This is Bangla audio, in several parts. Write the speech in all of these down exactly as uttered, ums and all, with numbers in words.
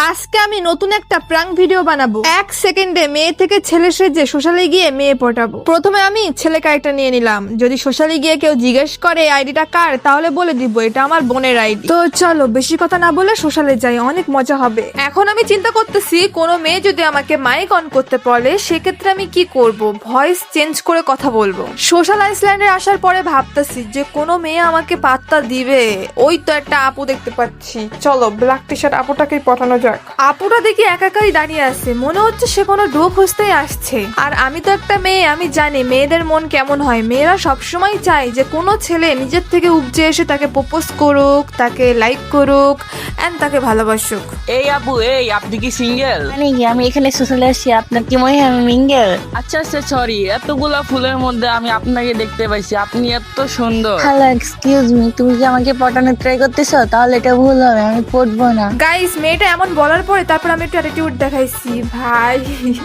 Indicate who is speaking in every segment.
Speaker 1: আজকে আমি নতুন একটা প্রাঙ্ক ভিডিও বানাবো। এক সেকেন্ডে মেয়ে থেকে ছেলে সেজে সোশ্যালে গিয়ে মেয়ে পটাবো। প্রথমে আমি ছেলে ক্যারেক্টার নিয়ে নিলাম। যদি সোশ্যালে গিয়ে কেউ জিজ্ঞেস করে আইডিটা কার, তাহলে বলে দিব এটা আমার বোনের আইডি। তো চলো বেশি কথা না বলে সোশ্যালে যাই, অনেক মজা হবে। এখন আমি চিন্তা করতেছি কোনো মেয়ে যদি আমাকে মাইক অন করতে বলে সেক্ষেত্রে আমি কি করব, ভয়েস চেঞ্জ করে কথা বলবো। সোশ্যাল আইসল্যান্ডে আসার পরে ভাবতেছি যে কোনো মেয়ে আমাকে পাত্তা দিবে। ওই তো একটা আপু দেখতে পাচ্ছি, চলো ব্ল্যাক টি শার্ট আপুটাকেই পাঠানো যাক। আপুটা দেখি একাকাই দাঁড়িয়ে আছে, মনে হচ্ছে সে কোনো ডো খুঁজতেই আসছে। আর আমি তো একটা মেয়ে, আমি জানি মেয়েদের মন কেমন হয়। মেয়েরা সবসময় চায় যে কোনো ছেলে নিজের থেকে উপজে এসে তাকে প্রপোজ করুক, তাকে লাইক করুক এন্ড তাকে ভালোবাসুক।
Speaker 2: এই আপু, এই আপনি কি সিঙ্গেল?
Speaker 3: মানে কি আমি এখানে সোশ্যালে আসছি, আপনার কি মনে হয় আমি মিঙ্গেল?
Speaker 2: আচ্ছা আচ্ছা, সরি, এতগুলা ফুলের মধ্যে আমি আপনাকে দেখতে পাইছি, আপনি এত সুন্দর।
Speaker 3: হ্যালো, এক্সকিউজ মি, তুমি কি আমাকে পটানোর ট্রাই করতেছো? তাহলে এটা ভুল হবে, আমি পটবো না।
Speaker 1: গাইস, মেয়েটা এমন বলার পরে তারপর আমি একটু অ্যাটিটিউড দেখাইছি। ভাই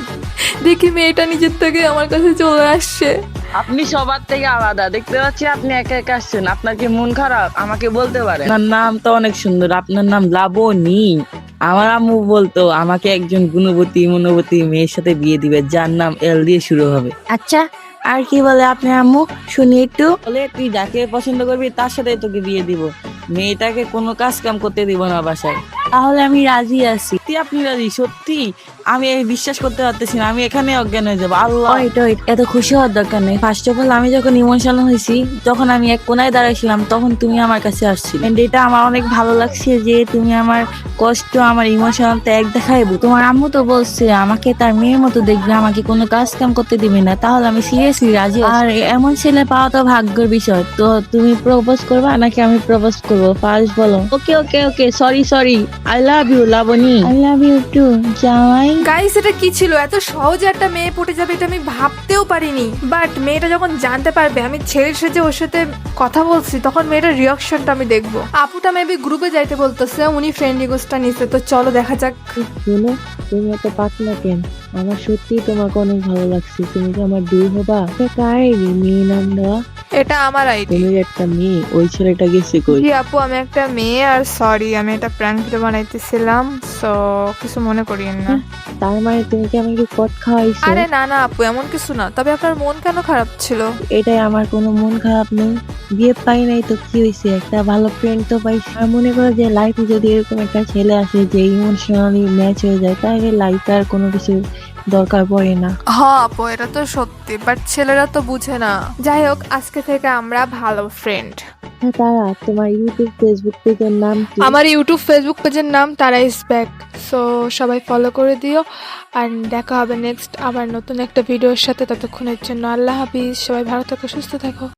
Speaker 1: দেখি মেয়েটা নিজের থেকে আমার কাছে চলে আসছে।
Speaker 2: আপনি সবার থেকে আলাদা, দেখতে পাচ্ছি আপনি একা একা আসছেন। আপনার কি মন খারাপ? আমাকে বলতে পারেন। আপনার নাম তো অনেক সুন্দর, আপনার নাম লাবণী। আমার আম্মু বলতো আমাকে একজন গুণবতী মনোবতী মেয়ের সাথে বিয়ে দিবে, যার নাম এল দিয়ে শুরু হবে।
Speaker 3: আচ্ছা, আর কি বলে আপনার আম্মু, শুনি একটু।
Speaker 2: বলে তুই যাকে পছন্দ করবি তার সাথে তোকে বিয়ে দিব, মেয়েটাকে কোনো কাজ কাম করতে দিব না বাসায়।
Speaker 3: তাহলে আমি রাজি আছি।
Speaker 2: সত্যি আপনি রাজি? সত্যি? আমি এই বিশ্বাস করতে পারতেছি না, আমি এখানে অজ্ঞান হয়ে যাবো। আল্লাহ,
Speaker 3: ওয়েট ওয়েট, এত খুশি হওয়ার দরকার নেই। ফার্স্ট অফ অল, আমি যখন ইমোশনাল হয়েছি, যখন আমি এক কোনায় দাঁড়াইছিলাম, তখন তুমি আমার কাছে আসছিলে। এন্ড এটা আমার অনেক ভালো লাগছে যে তুমি আমার কষ্ট, আমার ইমোশনালটা এক দেখাইবো। তোমার আম্মু তো বলছে আমাকে তার মেয়ের মতো দেখবে, আমাকে কোনো কাজ কাম করতে দিবে না। তাহলে আমি সিরিয়াসলি রাজি আছি। আর এমন ছেলে পাওয়া তো ভাগ্যের বিষয়। তো তুমি প্রপোজ করবা নাকি আমি প্রপোজ করবো, ফার্স্ট বলো। Okay okay okay, sorry sorry, I love you Laboni. I love you too জামাই।
Speaker 1: গাইস, এটা কি ছিল? এত সহজে একটা মেয়ে পটে যাবে এটা আমি ভাবতেও পারিনি। বাট মেয়েটা যখন জানতে পারবে আমি ছেলের সাথে ওর সাথে কথা বলছি, তখন মেয়েটার রিয়াকশনটা আমি দেখবো। আপুটা মেবি গ্রুপে যাইতে বলতেছে, উনি ফ্রেন্ড রিকোয়েস্টটা নিছে। তো চলো দেখা যাক।
Speaker 4: শুনো, তুমি এত পাতলা কেন? আমার সত্যি তোমাকে অনেক ভালো লাগছে। তুমি কি আমার দুই হবা? কার মেয়ে নাম দেওয়া?
Speaker 1: এটা আমার আইডি।
Speaker 4: তুমি একটা মেয়ে, ওই ছেলেটা গেছে কই?
Speaker 1: জি আপু, আমি একটা মেয়ে। আর সরি, আমি এটা প্র্যাঙ্ক ভিডিও বানাইতেছিলাম, সো কিছু মনে করিয়েন না।
Speaker 4: তার মানে তুমি কি আমাকে কট খাওয়াইছো?
Speaker 1: আরে না না আপু, এমন কিছু না। তবে আপনার মন কেন খারাপ ছিল?
Speaker 4: এটাই, আমার কোনো মন খারাপ নেই। বিয়ে পাই নাই তো কি হয়েছে, একটা ভালো ফ্রেন্ড তো পাইছি। আর মনে করো যে লাইফে যদি এরকম একটা ছেলে আসে যে ইমোশনালি ম্যাচ হয়ে যায়, তাহলে লাইফে আর কোনো কিছু দরকার পড়ে না।
Speaker 1: হ্যাঁ আপু, এটা তো সত্যি, বাট ছেলেরা তো বুঝে না। যাই হোক, আজকে থেকে আমরা ভালো ফ্রেন্ড।
Speaker 4: হ্যাঁ, তারা তোমার ইউটিউব ফেসবুক পেজের নাম কি?
Speaker 1: আমার ইউটিউব ফেসবুক পেজের নাম তারা ইজ ব্যাক। সো সবাই ফলো করে দিও। আর দেখা হবে নেক্সট আবার নতুন একটা ভিডিওর সাথে। ততক্ষণের জন্য আল্লাহ হাফিজ। সবাই ভালো থাকো, সুস্থ থাকো।